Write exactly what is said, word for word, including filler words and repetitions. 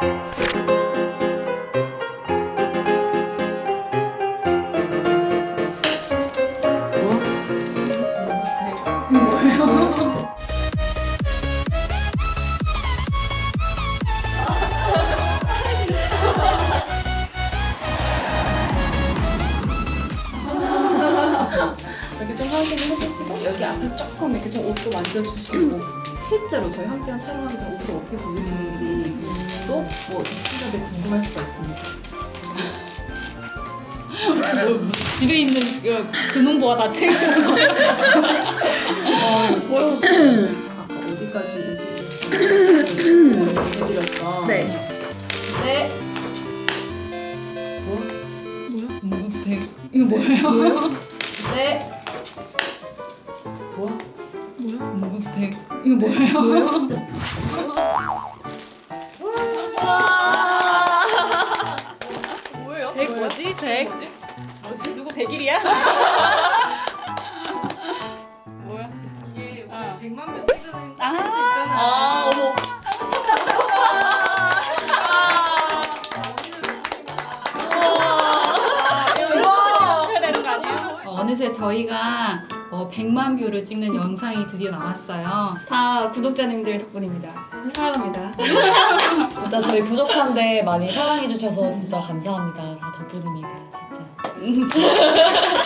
이렇게 좀 확인을 해주시고 여기 앞에서 조금 이렇게 좀 옷도 만져주시고 실제로 저희 함께한 촬영하기 전 옷을 어떻게 보이시는지 또 뭐 시청자들 궁금할 수가 있습니다. 집에 있는 금은보가 다 챙겨온 거예요. 아까 어디까지 보내드렸던 네. 네. 뭐야? 뭐, 되게... 이거 뭐예요? 네. 뭐야? 뭐야? 뭐, 되게... 이거 뭐예요? 뭐예요? 백 뭐지? 백? 뭐지? 누구 백일이야? 뭐야? 이게 아. 백만 명 찍는 아, 콘텐츠 있잖아. 아, 어머. 이렇게 되는 거 아니에요? 어느새 저희가 어, 백만 뷰를 찍는 영상이 드디어 나왔어요. 다 구독자님들 덕분입니다. 사랑합니다. 진짜 저희 부족한데 많이 사랑해주셔서 진짜 감사합니다. 다 덕분입니다, 진짜.